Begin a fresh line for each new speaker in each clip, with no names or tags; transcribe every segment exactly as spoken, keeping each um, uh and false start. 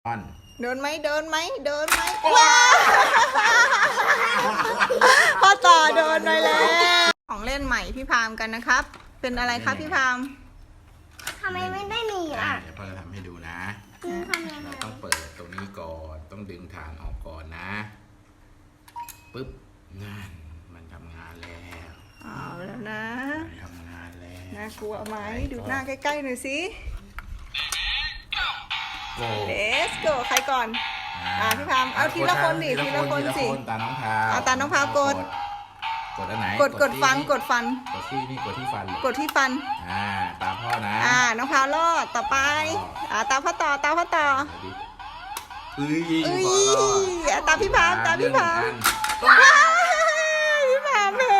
อน
เดินไหมเดินไหมเดินไหมว้าพ่อต่อเดินไปแล้วของเล่นใหม่พี่พามกันนะครับ เป็นอะไรครับพี่พาม
ทำไมไม่ได้มีอ่ะ
เดี๋ยวพ่อจะทำให้ดูนะ
ทำยังไง
เราต้องเปิดตรงนี้ก่อนต้องดึงฐานออกก่อนนะปึ๊บนั่นมันทำงานแล้ว
เอาแล้วนะ
มันทำงานแล้ว
น่ากลัวไหมดูหน้าใกล้ๆหน่อยสิ
โก
Let's go ใครก่อน อ่าพี่พามเอาทีละคนดิทีละคนสิ
ตาน้องพาว
เอาตาน้องพาวกด
กดอันไหน
กดกดฟัน
ที่
กดฟัน
กดที่นี่กดที่ฟัน
กดที่ฟัน
อ่าตามพ่อนะ
อ่าน้องพาวรอดต่อไปอ่าตามพ่อต่อตามพ่อต่อ
เอ้ย
เอ้ย
พ่อรอด
อ่ะตามพี่พามตามพี่พาม
เรื่องหนึ่งอัน
ว้าวพี่พามเพ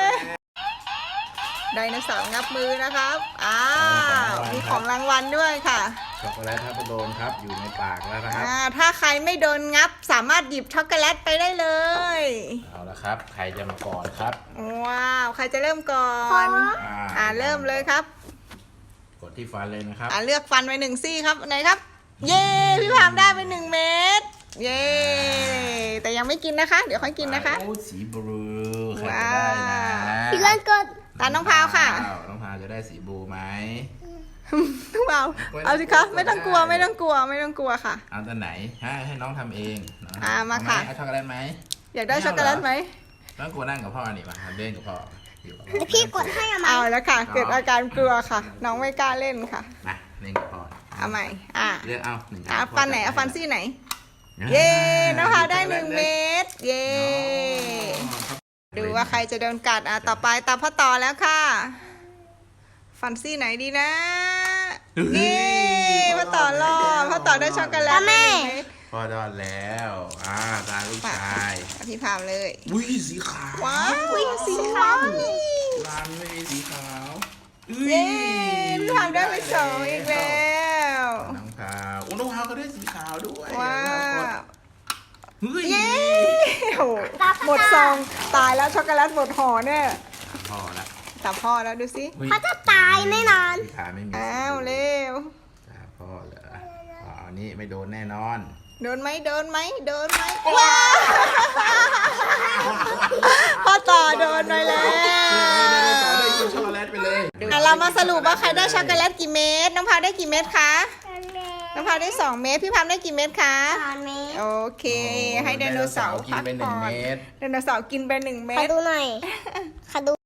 ไดโนเสาร์งับมือนะครับอ้าวมีของรางวัลด้วยค่ะ
ช็อกโกแลตทับโดนครับอยู่ในปากแล้วนะครับ
อ่าถ้าใครไม่โดนงับสามารถหยิบช็อกโกแลตไปได้เลย
เอาละครับใครจะมาก่อนครับ
ว้าวใครจะเริ่มก่อน
อ่า
อ่าเริ่มเลยครับ
กดที่ฟันเลยนะครับ
อ่าเลือกฟันไปหนึ่งซี่ครับไหนครับ เย้พี่พามได้ไปหนึ่งเม็ดเย้แต่ยังไม่กินนะคะ เดี๋ยวค่อยกินนะคะ
โอ้สีบลูใคร
ว้า
จะได้นะ
ว
พี่เล่นกด
ตาน้องพาวค่ะ
ว้าวน้องพาวจะได้สีบลูไหม
น้องพาวเอาสิคะไม่ต้องกลัวไม่ต้องกลัวไม่ต้องกลัวค่ะ
เอาตัวไหนให้ให้น้องทำเองน้ง
อ่ามา
เอไห
ค่ะ
เอาช็อกโกแลตไหม
อยากได้ช็อกโกแลตไหม
น้องกลัวนั่งกับพ่อนี่มาเล่นกับพ่ออยู่กับพ่อ
เดี๋ยวพี่กดให้อะมา
เอาแล้วค่ะ เกิดอาการกลัวค่ะ น้องไม่กล้าเล่นค่ะ
มาเล่นกับพ่อ
เอาใหม่อ่า
เลือกเอาหนึ่ง
อ่ะฟันไหนเอาฟันซี่ไหน
อ่า
เย้น้องพาวได้หนึ่งเม็ดเย้
อ๋อครับ
ดูว่าใครจะโดนกัดอ่ะต่อไปตามพ่อต่อแล้วค่ะ ฟันซี่ไหนดีนะเย้พ่อต่อรอดพ่อต่อได้ช็อกโกแลตแม่
พ่อรอดแล้วอ่าตาลูกชาย
พี่พามเลย
อุ้ยสีขาว
ว้าวสีขาว
ร้านไม่มีสีขาว
เย้พี่พามได้ไปสองอีกแล้ว
น้องพาวอุ้น้องพาวก็ได้สีขาวด้วย
ว้าว
เฮ้ย
เย้โหหมดซองตายแล้วช็อกโกแลตหมดห่อเนี่ย
พอละ
ตามพ่อแล้วดูสิ
ฮ้ย
เขาจะตายแน่นอน
สีขาวไม่มี
อ้าวเร็ว
ตาพ่อเหรออ๋ออันนี้ไม่โดนแน่นอน
เดินไหมเดินไหมเดินไหมว้าวพ่อต่อเดินไปแล้ว
ต่อได้กินช็อกโกแลตไปเลย
อ่ะเรามาสรุปว่าใครได้ช็อกโกแลตกี่เม็ดน้องพาวได้กี่เม็ดคะน้องพาวได้สองเม็ดพี่พามได้กี่เม็ดคะ
ตอนนี้
โอเค ให้ไดโนเสาร์
กิน
พัก
ไปหนึ่
ก่
ง
อน
เม็ด
ไดโนเสาร์กินไปหนึ่งเม็
ขอ
ด
ดูหน่อยขอดู